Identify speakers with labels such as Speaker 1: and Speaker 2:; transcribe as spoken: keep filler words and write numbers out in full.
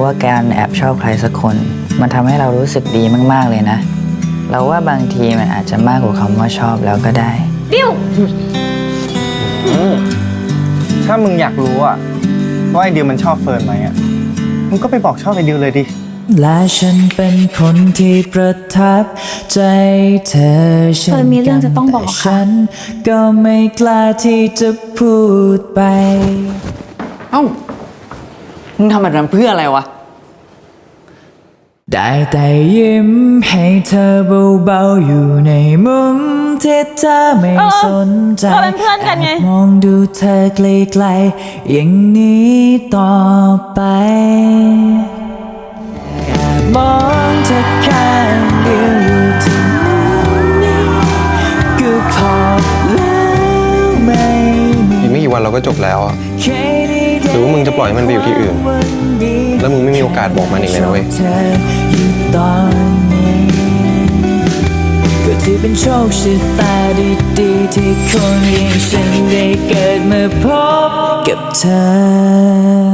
Speaker 1: ว่าการแอบชอบใครสักคนมันทำให้เรารู้สึกดีมากๆเลยนะเราว่าบางทีมันอาจจะมากกว่าคำว่าชอบแล้วก็ได้
Speaker 2: ดิว
Speaker 3: ถ้ามึงอยากรู้อะว่าไอดิวมันชอบเฟิร์นไหมอะมึงก็ไปบอกชอบไอดิวเลยดิ
Speaker 4: และฉันเป็นคนที่ประทับใจเธอฉันมีเรื่องจะต้องบอกฉันก็ไม่กล้าที่จะพูดไป
Speaker 5: เอ้ามึงทำแบบนั้นเพื่ออะไรวะ
Speaker 4: ได้แต่ยิ้มให้เธอเบาๆอยู่ในมุมที่เธอไม่สนใจมองดูเธอไกลๆอย่างนี้ต่อไปแอบมองเธอข้างเดียวอยู่ที่มุมนี้ก็พอแล้วไม่มี
Speaker 6: อีกไม่กี่วันเราก็จบแล้วอะหรือว่ามึงจะปล่อยให้มันไปอยู่ที่อื่นแล้วมึงไม่มีโอกาสบอกมันอีกเลยนะเว้ย
Speaker 4: ก็ที่เป็นโชคชะตาดีๆที่คนอย่างฉันได้เกิดมาพบกับเธอ